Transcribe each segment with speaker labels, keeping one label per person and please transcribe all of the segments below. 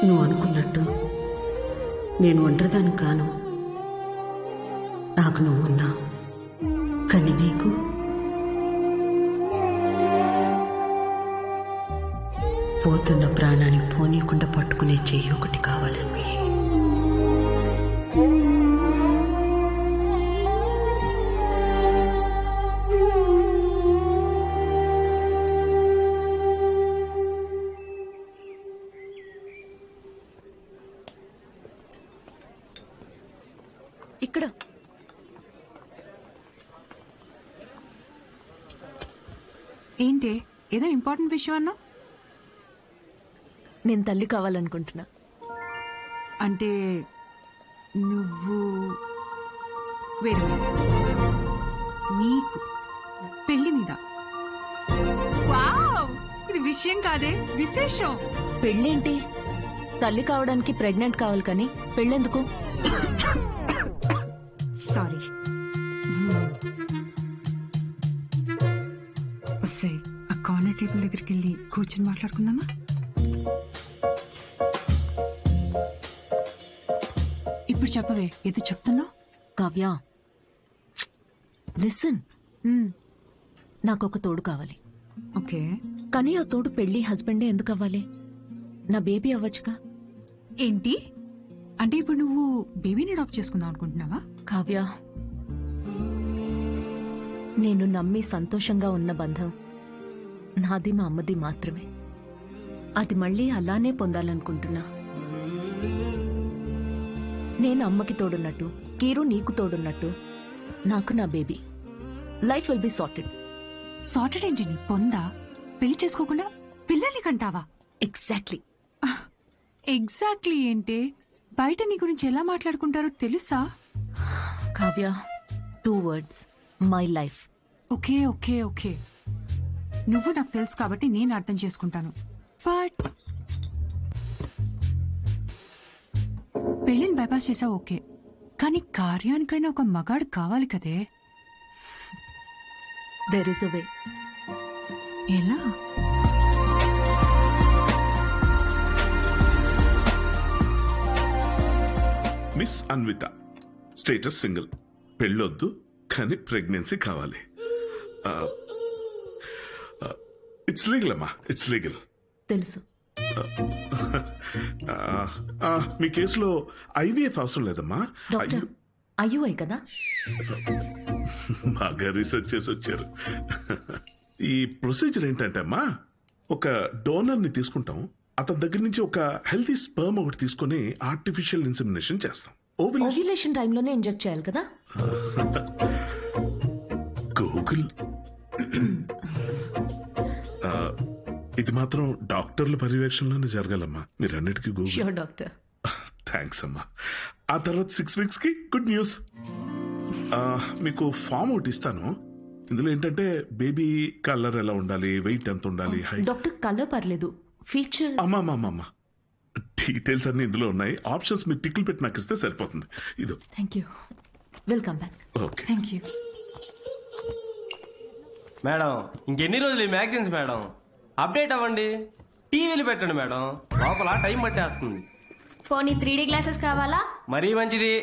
Speaker 1: నువ్వు అనుకున్నట్టు నేను ఒంటరిదాన్ని కాను. నాకు నువ్వు ఉన్నావు, కానీ నీకు పోతున్న ప్రాణాన్ని పోనీయకుండా పట్టుకునే చెయ్యి ఒకటి కావాలని.
Speaker 2: ఇక్కడ
Speaker 3: ఏంటి ఏదో ఇంపార్టెంట్ విషయం అన్నా?
Speaker 2: నేను తల్లి కావాలనుకుంటున్నా.
Speaker 3: అంటే నువ్వు వేరే నీకు పెళ్లి మీద? వావ్, ఇది విషయం కాదే, విశేషం.
Speaker 2: పెళ్ళేంటి? తల్లి కావడానికి ప్రెగ్నెంట్ కావాలి, కానీ పెళ్ళెందుకు?
Speaker 3: సారీ. వస్తే ఆ కార్నర్ టేబుల్ దగ్గరికి వెళ్ళి కూర్చొని మాట్లాడుకుందామా? ఇప్పుడు చెప్పవే, ఏదో చెప్తున్నావు.
Speaker 2: కావ్య, లిసన్. నాకు ఒక తోడు కావాలి.
Speaker 3: ఓకే,
Speaker 2: కానీ ఆ తోడు పెళ్లి హస్బెండే ఎందుకు అవ్వాలి? నా బేబీ అవ్వచ్చుగా.
Speaker 3: ఏంటి అంటే ఇప్పుడు నువ్వు బేబీని అడాప్ట్ చేసుకుందాం అనుకుంటున్నావా?
Speaker 2: కావ్య, నేను నమ్మి సంతోషంగా ఉన్న బంధం నాది, మా అమ్మది మాత్రమే. అది మళ్ళీ అలానే పొందాలనుకుంటున్నా. నేను అమ్మకి తోడున్నట్టు, కీరు నీకు తోడున్నట్టు, నాకు నా baby. Life will be sorted.
Speaker 3: Sorted ఏంటి? నీ పొందా? పెళ్లి చేసుకోకుండా పిల్లల్ని కంటావా?
Speaker 2: ఎగ్జాక్ట్లీ.
Speaker 3: ఎగ్జాక్ట్లీ ఏంటి? బయట నీ గురించి ఎలా మాట్లాడుకుంటారో తెలుసా?
Speaker 2: Kavya, 2 words, my life.
Speaker 3: Okay okay okay, నువ్వు నాకు తెలుసు కాబట్టి నేను అర్థం చేసుకుంటాను. బట్ పెళ్లిని బైపాస్ చేసావు ఓకే, కానీ కార్యానికైనా ఒక మగాడు కావాలి కదే.
Speaker 2: There is a way.
Speaker 3: ఎలా?
Speaker 4: మిస్ అన్విత, స్టేటస్ సింగిల్, పెళ్ళొద్దు కానీ ప్రెగ్నెన్సీ కావాలి. ఇట్స్ లీగల్ అమ్మా, ఇట్స్ లీగల్.
Speaker 2: తెలుసు.
Speaker 4: మీ కేసులో ఐవీఎఫ్ అవసరం లేదమ్మా.
Speaker 2: డాక్టర్, అయ్యూఐ కదా?
Speaker 4: బాగా రీసెర్చ్ చేసి వచ్చారు. ఈ ప్రొసీజర్ ఏంటంటే అమ్మా, ఒక డోనర్ ని తీసుకుంటాం, అతని దగ్గర నుంచి ఒక హెల్తీ స్పర్మ్ ఒకటి తీసుకుని ఆర్టిఫిషియల్ ఇన్సెమినేషన్ చేస్తాం.
Speaker 2: ఓవ్యులేషన్ టైంలోనే ఇంజెక్ట్ చేయాలి కదా?
Speaker 4: గూగుల్. ఇది మాత్రం డాక్టర్ల పర్యవేక్షణలోనే జరగాలమ్మా. మీరన్నిటికీ గూగుల్.
Speaker 2: Sure doctor.
Speaker 4: థ్యాంక్స్ అమ్మా. ఆ తర్వాత 6 weeks కి గుడ్ న్యూస్. మీకు ఫామ్ ఒకటి ఇస్తాను. ఇందులో ఏంటంటే బేబీ కలర్ ఎలా ఉండాలి, వెయిట్ ఎంత ఉండాలి, హైట్.
Speaker 2: డాక్టర్, కలర్ పర్లేదు, ఫీచర్.
Speaker 4: అమ్మా, డీటెయిల్స్ అన్ని ఇందులో ఉన్నాయి. ఆప్షన్స్ మీరు టిక్లు పెట్టి నాకు ఇస్తే సరిపోతుంది. ఇదో.
Speaker 2: Thank you. Welcome back.
Speaker 4: Okay,
Speaker 3: thank you
Speaker 5: madam. ఇంకెన్ని రోజులు ఈ మ్యాగజైన్స్ మేడం? అప్డేట్ అవ్వండి, టీవీలు పెట్టండి మేడం, లోపల టైం పట్టేస్తుంది.
Speaker 6: పోనీ 3D గ్లాసెస్ కావాలా?
Speaker 5: మరీ మంచిది.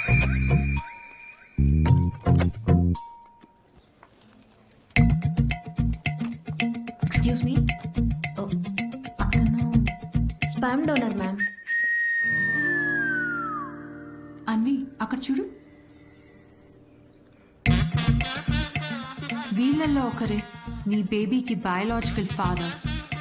Speaker 2: ఎక్స్క్యూజ్ మీ, అతను
Speaker 6: స్పామ్ డోనర్ మ్యామ్.
Speaker 3: అన్వి, అక్కడ చూడు. వీళ్ళల్లో ఒకరే నీ బేబీకి బయాలజికల్ ఫాదర్.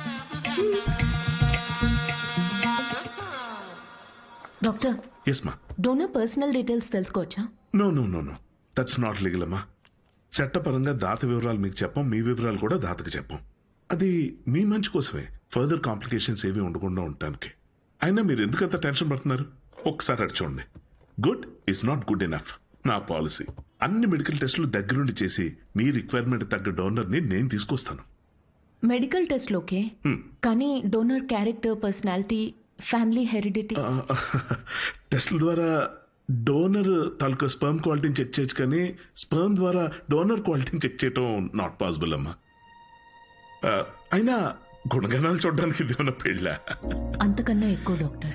Speaker 2: డాక్టర్,
Speaker 4: ఎస్ మా.
Speaker 2: డోనర్ పర్సనల్ డీటెయిల్స్ తెలుసుకోవచ్చా?
Speaker 4: నో, దట్స్ నాట్ లీగల్ అమ్మా. చట్టపరంగా దాత వివరాలు మీకు చెప్పం, మీ వివరాలు కూడా దాతకి చెప్పం. అది మీ మంచి కోసమే, ఫర్దర్ కాంప్లికేషన్స్ ఏవి ఉండకుండా ఉండటానికి. అయినా మీరు ఎందుకంత టెన్షన్ పడుతున్నారు? ఒకసారి అటు చూడండి. Good is not good enough. నా పాలసీ అన్ని మెడికల్ టెస్టులు దగ్గరుండి చేసి మీ రిక్వైర్మెంట్ తగ్గ డోనర్ని నేను తీసుకొస్తాను.
Speaker 2: మెడికల్ టెస్ట్ ఓకే, కానీ donor character, personality, family heredity.
Speaker 4: టెస్ట్ల ద్వారా డోనర్ తాలూకా స్పర్మ్ క్వాలిటీని చెక్ చేయొచ్చు, కానీ స్పర్మ్ ద్వారా డోనర్ క్వాలిటీని చెక్ చేయటం నాట్ పాసిబుల్ అమ్మా. అయినా గుణగణాలు చూడడానికి ఇది ఉన్న పెళ్ళ
Speaker 2: అంతకన్నా ఎక్కువ డాక్టర్.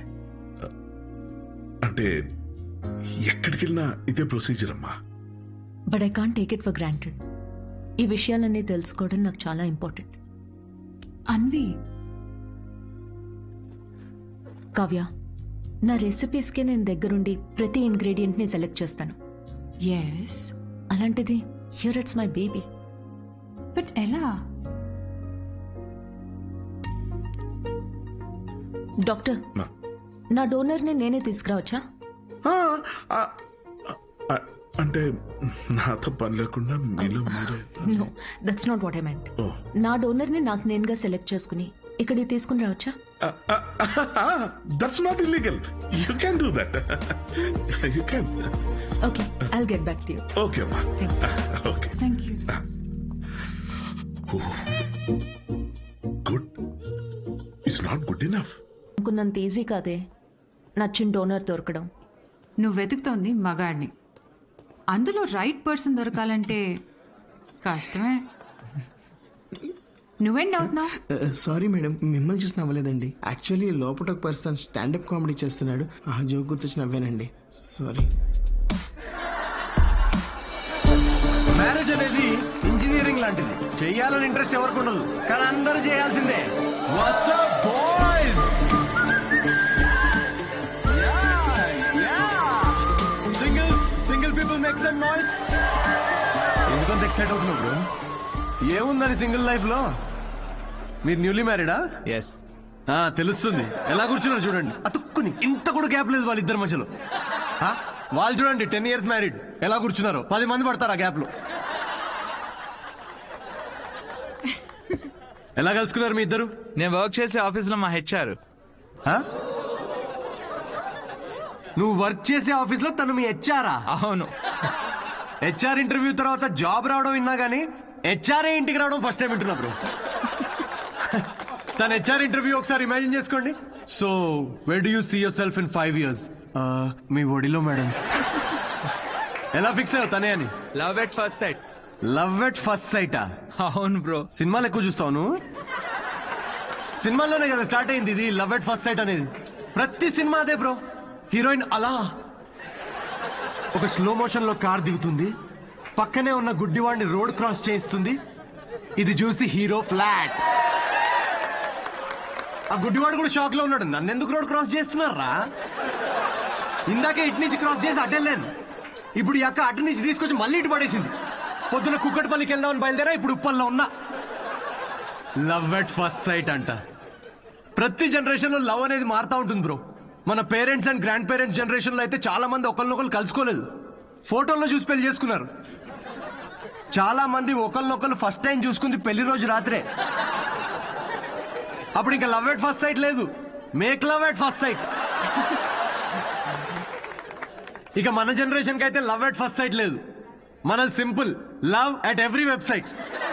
Speaker 4: అంటే ఎక్కడికి వెళ్ళినా ఇదే ప్రొసీజర్ అమ్మా.
Speaker 2: But I can't take it for granted. ఈ విషయాలన్నీ తెలుసుకోవడం నాకు చాలా ఇంపార్టెంట్.
Speaker 3: అన్వి,
Speaker 2: కావ్య, నా రెసిపీస్కి నేను దగ్గరుండి ప్రతి ఇంగ్రీడియంట్ని సెలెక్ట్ చేస్తాను.
Speaker 3: ఎస్,
Speaker 2: అలాంటిది here it's my baby.
Speaker 3: But ఎలా?
Speaker 2: డాక్టర్, నా డోనర్ని నేనే తీసుకురావచ్చా?
Speaker 4: అంటే నాతో పని లేకుండా మీలో మీరే.
Speaker 2: No, that's not what I meant.
Speaker 4: Oh.
Speaker 2: నా డోనర్ని నాకు నేనుగా సెలెక్ట్ చేసుకుని ఇక్కడికి తీసుకుని రావచ్చా?
Speaker 4: That's not illegal. You can do that. You can.
Speaker 2: Okay, I'll get back to you.
Speaker 4: Okay అమ్మా.
Speaker 2: Thanks.
Speaker 4: Okay,
Speaker 3: thank you.
Speaker 4: Good. It's not good enough.
Speaker 2: అనుకున్నంత easy కాదే నచ్చిన డోనర్ దొరకడం.
Speaker 3: నువ్వు వెతుకుతోంది మగాడిని, అందులో రైట్ పర్సన్ దొరకాలంటే కష్టమే. నువ్వేం డౌట్ నా?
Speaker 7: సారీ మేడం, మిమ్మల్ని చూసి నవ్వలేదండి. యాక్చువల్లీ లోపల ఒక పర్సన్ స్టాండప్ కామెడీ చేస్తున్నాడు, ఆ జోక్ గుర్తొచ్చి నవ్వానండి. సారీ.
Speaker 5: మ్యారేజ్ అనేది ఇంజనీరింగ్ లాంటిది. చెయ్యాలని ఇంట్రెస్ట్ ఎవరికి ఉండదు, కానీ అందరూ చేయాల్సిందే. What's up, boys? Single people make some noise. ఎందుకంత ఎక్సైట్ అవుతున్నావు బ్రో? ఏముందని సింగిల్ లైఫ్ లో? మీరు న్యూలీ మ్యారీడా?
Speaker 8: ఎస్.
Speaker 5: తెలుస్తుంది. ఎలా కూర్చున్నారు చూడండి, అతుక్కుని. ఇంత కూడా గ్యాప్ లేదు వాళ్ళిద్దరి మధ్యలో. వాళ్ళు చూడండి 10 years మ్యారీడ్, ఎలా కూర్చున్నారు. 10 మంది పడతారు ఆ గ్యాప్ లో. ఎలా కలుసుకున్నారు మీ ఇద్దరు?
Speaker 8: నేను వర్క్ చేసే ఆఫీస్ లో మా హెచ్ఆర్.
Speaker 5: నువ్వు వర్క్ చేసే ఆఫీస్ లో తను మీ హెచ్ఆరా?
Speaker 8: అవును.
Speaker 5: హెచ్ఆర్ ఇంటర్వ్యూ తర్వాత జాబ్ రావడం విన్నా గానీ హెచ్ఆర్ఏ ఇంటికి రావడం ఫస్ట్ టైం వింటున్నా బ్రో. తన హెచ్ఆర్ ఇంటర్వ్యూ ఒకసారి ఇమాజిన్ చేసుకోండి. So where do you see yourself in 5 years? మీ ఒడిలో మేడం. ఎలా ఫిక్స్ అయ్యావు తనే అని?
Speaker 8: Love at first sight.
Speaker 5: Love at first సైటా?
Speaker 8: అవును బ్రో.
Speaker 5: సినిమాలు ఎక్కువ చూస్తావు నువ్వు? సినిమాల్లోనే కదా స్టార్ట్ అయింది ఇది లవ్ ఎట్ ఫస్ట్ సైట్ అనేది. ప్రతి సినిమా అదే బ్రో. హీరోయిన్ అలా ఒక స్లో మోషన్ లో కార్ దిగుతుంది, పక్కనే ఉన్న గుడ్డివాడిని రోడ్ క్రాస్ చేయిస్తుంది. ఇది చూసి హీరో ఫ్లాట్. ఆ గుడ్డివాడు కూడా షాక్ లో ఉన్నాడు, నన్ను ఎందుకు రోడ్ క్రాస్ చేస్తున్నారా? ఇందాకే ఇటు నుంచి క్రాస్ చేసి అటెళ్ళాను, ఇప్పుడు ఈ అక్క అటు నుంచి తీసుకొచ్చి మళ్ళీ ఇటు పడేసింది. పొద్దున కుక్కటిపల్లికి వెళ్దామని బయలుదేరా, ఇప్పుడు ఉప్పల్లో ఉన్నా. లవ్ ఎట్ ఫస్ట్ సైట్ అంట. ప్రతి జనరేషన్ లో లవ్ అనేది మారుతా ఉంటుంది బ్రో. మన parents and grandparents generation లో అయితే చాలా మంది ఒకరినొకరు కలుసుకోలేదు, ఫోటోల్లో చూసి పెళ్లి చేసుకున్నారు. చాలా మంది ఒకరినొకరు ఫస్ట్ టైం చూసుకుంది పెళ్లి రోజు రాత్రే. అప్పుడు ఇంకా లవ్ ఎట్ ఫస్ట్ సైట్ లేదు, make love at first sight. ఇక మన జనరేషన్ కి అయితే లవ్ ఎట్ ఫస్ట్ సైట్ లేదు, మనది simple love at every website.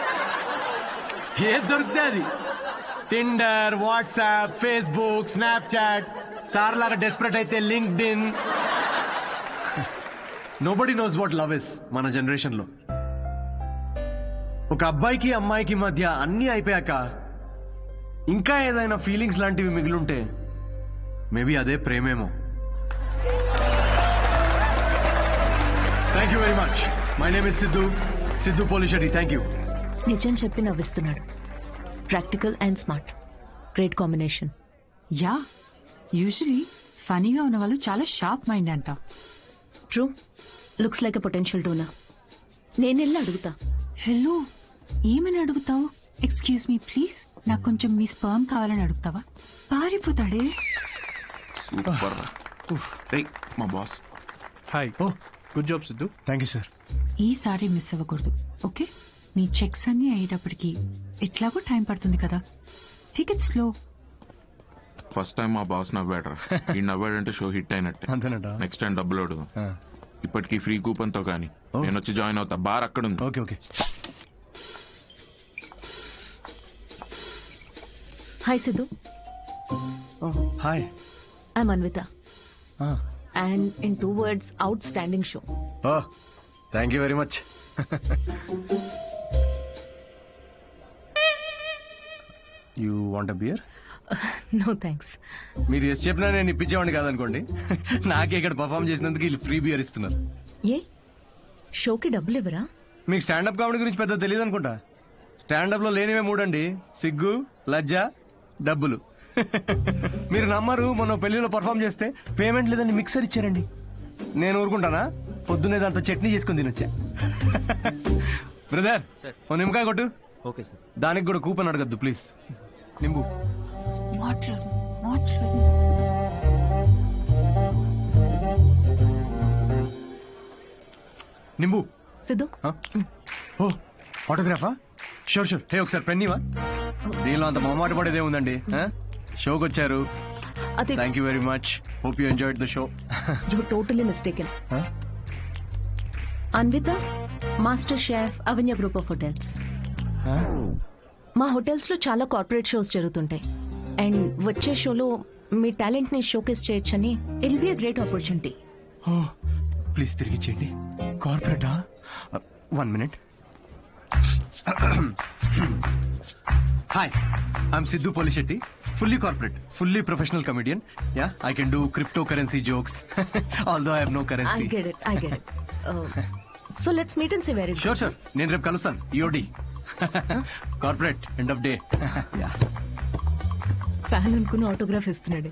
Speaker 5: ఏది దొరికితే అది. Tinder, WhatsApp, Facebook, Snapchat, sir లాగా డెస్పరేట్ అయితే LinkedIn. Nobody knows what love is మన జనరేషన్ లో. ఒక అబ్బాయికి అమ్మాయికి మధ్య అన్నీ అయిపోయాక ఇంకా ఏదైనా ఫీలింగ్స్ లాంటివి మిగిలుంటే మేబీ అదే ప్రేమేమో. Thank you very much. My name is Siddhu Polishetty. Thank you.
Speaker 2: నిజం చెప్పి నవ్విస్తున్నాడు. Practical and smart, great combination.
Speaker 3: Ya, usually ఫనీగా ఉన్న వాళ్ళు చాలా షార్ప్ మైండ్ అంట.
Speaker 2: True, looks like a potential donor. నేను వెళ్ళి అడుగుతా.
Speaker 3: హలో, ఏమని అడుగుతావు? ఎక్స్క్యూజ్ మీ ప్లీజ్, నాకు కొంచెం మీ స్పర్మ్ కావాలని అడుగుతావా? పారిపోతాడే.
Speaker 9: సూపర్. మా boss.
Speaker 5: Hi. Oh good job Siddhu. Thank you sir.
Speaker 3: ఈసారి మిస్ అవ్వకూడదు, ఓకే? నీ చెక్స్ అన్ని అయ్యేటప్పటికి ఎట్లాగో టైం పడుతుంది కదా, టికెట్ స్లో.
Speaker 9: ఫస్ట్ టైం మా బాస్ నవ్వాడరా. ఈ నవ్వాడంటే షో హిట్ అయినట్టే.
Speaker 5: అంతేనట.
Speaker 9: నెక్స్ట్ టైం డబ్బులు అడుగుదాం. ఇప్పటికి ఫ్రీ కూపన్ తో కానీ నేను వచ్చి జాయిన్ అవుతా. బార్ అక్కడ ఉంది.
Speaker 5: Okay okay.
Speaker 2: Hi Siddhu.
Speaker 5: Hi.
Speaker 2: I'm Anvitha. And in 2 words, outstanding show.
Speaker 5: Oh thank you very much. You want a beer?
Speaker 2: No thanks.
Speaker 5: మీరు ఎస్ చెప్పినా నేను ఇప్పించేవాడిని కాదనుకోండి. నాకే ఇక్కడ పర్ఫామ్ చేసినందుకు వీళ్ళు ఫ్రీ బియర్ ఇస్తున్నారు.
Speaker 2: ఏ షోకి డబ్బులు ఇవ్వరా?
Speaker 5: మీకు స్టాండప్ కామెడీ గురించి పెద్ద తెలియదు అనుకుంటా. స్టాండప్ లో లేనివే మూడండి: సిగ్గు, లజ్జ, డబ్బులు. మీరు నమ్మరు, మొన్న పెళ్లిలో పర్ఫామ్ చేస్తే పేమెంట్ లేదని మిక్సర్ ఇచ్చారండి. నేను ఊరుకుంటానా? పొద్దున్నే దాంతో చట్నీ చేసుకుని తినొచ్చా. బ్రదర్, ఓ నిమ్మకాయ కొట్టు.
Speaker 10: Okay sir.
Speaker 5: దానికి కూడా కూపన్ అడగద్దు ప్లీజ్. నింబు. నింబు.
Speaker 2: సిద్ధు,
Speaker 5: ఓ ఆటోగ్రాఫా? Sure sure. హే, ఒకసారి పెన్నీవా? దీనిలో అంత మొహమాట పడేదే ఉందండి. షోకి వచ్చారు.
Speaker 2: అది
Speaker 5: thank you very much. Hope you enjoyed the show.
Speaker 2: You totally mistaken. Anvitha, master chef, Avanya group of hotels. మా హోటల్స్ లో చాలా కార్పొరేట్ షోస్ జరుగుతుంటాయి. అండ్ వచ్చే షోలో మీ టాలెంట్ ని షోకేస్ చేయొచ్చని it be a great opportunity.
Speaker 5: Please తిరిగి చేయండి. కార్పొరేటా? 1 minute. Hi, I'm Siddhu Polishetty. Fully corporate, fully professional comedian. Yeah, I can do crypto currency jokes. Although I have no
Speaker 2: I
Speaker 5: currency.
Speaker 2: Get it. So let's meet and see very
Speaker 5: sure sure. నేను రేపు కలుస్తాను. EOD corporate end of day.
Speaker 2: Fan అనుకుని autograph ఇస్తున్నాడు.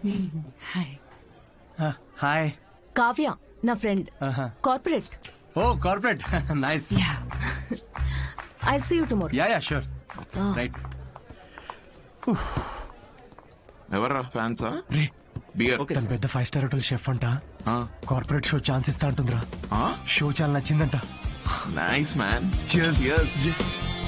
Speaker 5: Hi.
Speaker 2: Kavya నా friend, corporate.
Speaker 5: Oh corporate, nice.
Speaker 2: I'll see you tomorrow.
Speaker 5: Yeah sure. Right.
Speaker 9: ఎవర్రా ఫ్యాన్సా?
Speaker 5: రే,
Speaker 9: beer.
Speaker 5: తను పెద్ద 5 స్టార్ హోటల్ షెఫ్ అంట. కార్పొరేట్ షో ఛాన్స్ ఇస్తా అంటుందిరా. షో చాలా నచ్చిందంట.
Speaker 9: Nice man.
Speaker 5: Cheers.